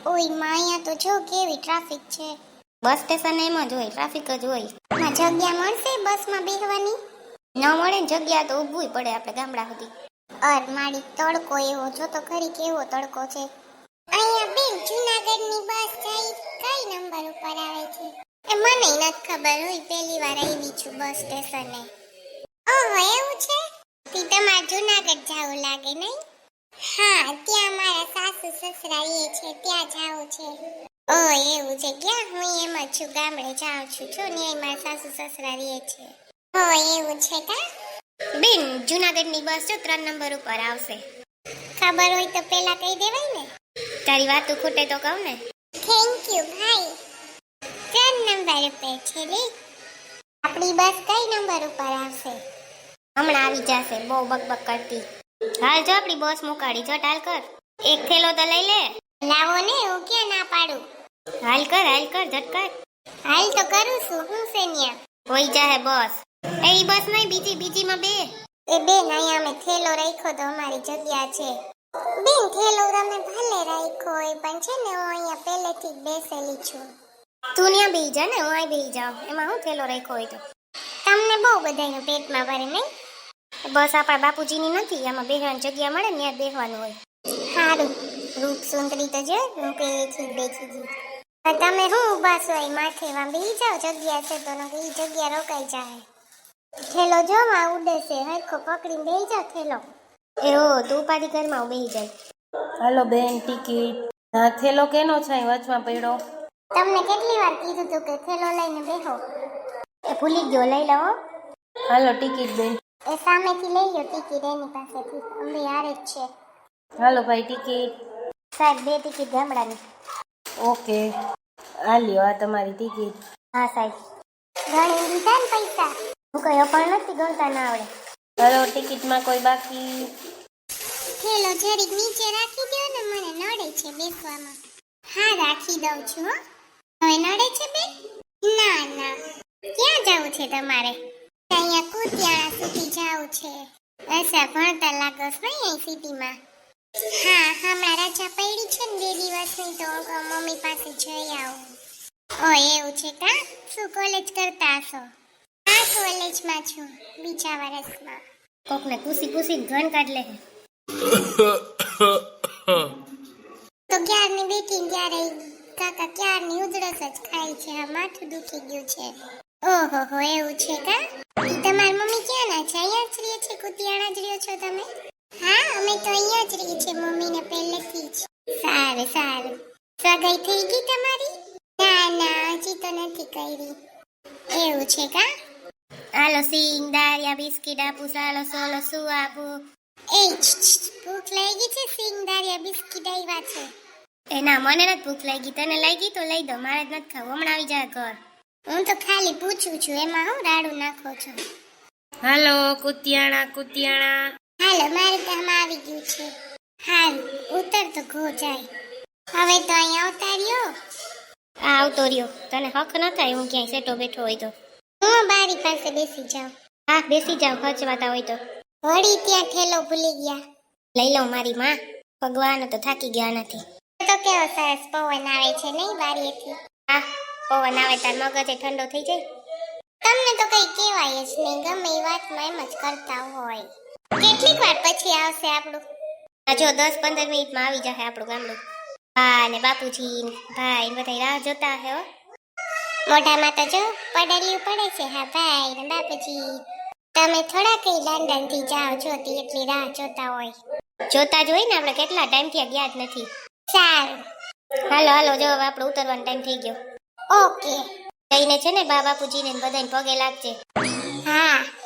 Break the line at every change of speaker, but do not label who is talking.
ઓય માં અહીંયા તો જો કેવી ટ્રાફિક છે.
બસ સ્ટેશન એમ જ હોય, ટ્રાફિક જ હોય.
માં જગ્યા મળશે બસમાં બેસવાની?
ન મળે ને જગ્યા તો ઊભું પડે આપણે ગામડા સુધી.
અર મારી તડકો એવો જો તો ખરી કેવો તડકો છે. અહીંયા બેન જૂનાગઢની બસ જાય કઈ નંબર ઉપર આવે છે? એ મને નથી ખબર હોય, પહેલી વાર આવી છું બસ સ્ટેશને. ઓહો એવું છે? તી તમારે જૂનાગઢ જાવું લાગે નહીં? હા ત્યાં મારા સાસુ સસરા એ છે ત્યાં જાવું છે. ઓ એવું છે, ક્યાં હું એમ જ છું, ગામડે જાઉં છું છો ને મારા સાસુ સસરા રહે છે. હો એવું છે કા?
બેન જૂનાગઢની બસ જો 3 નંબર ઉપર આવશે.
ખબર હોય તો પેલા કહી દેવાય ને.
તારી વાતું ખૂટે તો કહું ને.
થેન્ક યુ ભાઈ. 3 નંબર ઉપર છે લે. આપણી બસ કઈ નંબર ઉપર આવશે?
હમણાં આવી જશે, બહુ બકબક કરતી. હાલ જો આપણી બસ મુકાડી, જો હાલ કર. એક થેલો તો લઈ લે.
લાવો ને, હું ક્યાં ના પાડું.
હાલ કર ઝટકર.
હાલ તો કરું છું, હું છે ન્યા.
હોઈ જાહે બસ. એ ઈ બસ નહીં, બીજીમાં બે.
એ બેન અહીંયા અમે થેલો રાખ્યો તો અમારી જગ્યા છે. બેન થેલો તમે ભલે રાખ્યો હોય પણ છે ને હું અહીંયા પહેલેથી જ બેસેલી છું.
તું ત્યાં બેહી જા ને, હું અહીં બેહી જાઉં. એમાં હું થેલો રાખ્યો હોય તો.
તમને બહુ બધાનું પેટમાં ભરે નહીં?
બસ આપણા બાપુજીની નથી, આમાં બેસવાની જગ્યા મળે ને ત્યાં બેસવાનું હોય.
સારું રૂપ સુંદરી તો જો હું પેલેથી જ બેસી ગઈ. તમે શું ઊભા છો અહીં માથેમાં બેસી જાઓ, જગ્યા છે તો એ જગ્યા રોકાઈ જાય. થેલો જો માં ઉડે છે, હરખો પકડીને બેસી જાઓ થેલો.
એવો તું ઉપાડી ઘરમાં બેહી જાય.
હાલો બેન ટિકિટ. હા થેલો કેનો છે અહીં વચમાં પડ્યો?
તમને કેટલી વાર કીધું તું કે થેલો લઈને બેહો?
એ ભૂલી ગયો, લઈ લવો.
હાલો ટિકિટ બેન.
એ સામેથી લઈ લો ટિકિટ એની પાસેથી, અમે હારે જ છે.
હાલો ભાઈ ટિકિટ.
સાહેબ 2 ટિકિટ ગામડાની.
ઓકે આ લ્યો આ તમારી ટિકિટ.
હા સાહેબ.
ગણી દીધા ને પૈસા?
હું કઈ અપણ નથી, ગણતા ના આવડે.
હાલો ટિકિટમાં કોઈ બાકી?
થેલો જરીક નીચે રાખી દો ને, મને નડે છે બેસવામાં. હા રાખી દઉં છું હો. હવે નડે છે બેન? ના ના. ક્યાં જવું છે તમારે? અહીંયા કુતિયાણા સુધી જવું છે. અચ્છા ભણતા લાગો છો અહીં સિટીમાં? હા હમણાં રજા પડી છે ને 2 દિવસની તો મમ્મી પાસે જઈ આવું. ઓ એવું છે કા? શું કોલેજ કરતા હશો? હા કોલેજમાં છું, બીજા વર્ષમાં.
કોકને પૂસી ઘન કાઢ લે.
તો ક્યારની બેઠી ત્યારે કાકા ક્યારની ઉધરસ જ ખાય છે, આ માથું દુખી ગયું છે. ઓહો હો એવું છે કા? તમારી મમ્મી ક્યાં ના છે? અહીંયા જ રહે છે? કુતિયાણા જ રહ્યો છો તમે? હા અમે તો અહીંયા જ રહીએ છીએ મમ્મીને પહેલેથી જ. સારું સારું. સગાઈ થઈ ગઈ તમારી? ના ના હજી તો નથી કરી. એવું છે કા?
હાલો સિંગ દારિયા બિસ્કિટ આપું, સાલો સોલો શું આપું?
એ ભૂખ લાગી છે? સિંગ દારિયા બિસ્કિટ આવ્યા છે.
એ ના મને નથી ભૂખ લાગી, તને લાગી તો લઈ દો, મારે જ નથી ખાવું, હમણાં આવી જાય ઘર.
હું તો ખાલી પૂછું છું, એમાં હું રાડું નાખો છો?
હાલો કુતિયાણા.
હાલો મારું કામ આવી ગયું છે. હાલ ઉતર તો ઘો જાય. હવે તો અહીંયા આવતા રહ્યો.
આ આવતો રહ્યો, તને હક ન થાય હું ક્યાંય સેટો બેઠો હોય તો?
હું બારી પાસે બેસી જાઉં.
હા બેસી જાવ, ખર્ચવાતા હોય તો.
વળી ત્યાં થેલો ભૂલી ગયા.
લઈ લઉં મારી માં, ભગવાન તો થાકી ગયા નથી.
તો કેવો સરસ પવન આવે છે નહીં બારીએથી?
હા પવન આવે તાર મગજ ઠંડો થઈ જાય.
તમને તો કઈ કહેવાય જ નહીં, ગમે એ વાતમાં એમ જ કરતા હોય. કેટલીક વાર પછી આવશે આપણું?
આ જો 10-15 મિનિટમાં આવી જશે આપણું ગામડું. હા ને બાપુજી ભાઈ બધા રાહ જોતા હે.
મોઢામાં તો જો પડેલી પડે છે. હા ભાઈ ને બાપુજી. તમે થોડા કઈ લંડન થી જાઓ છો તે એટલી રાહ જોતા હોય?
જોતા જ હોય ને, આપણે કેટલા ટાઈમથી ગયા જ નથી.
સારું
હાલો જો હવે આપણો ઉતરવાનો ટાઈમ થઈ ગયો.
ઓકે.
જઈને છે ને બાપુજીને બધાને પગે લાગજે.
હા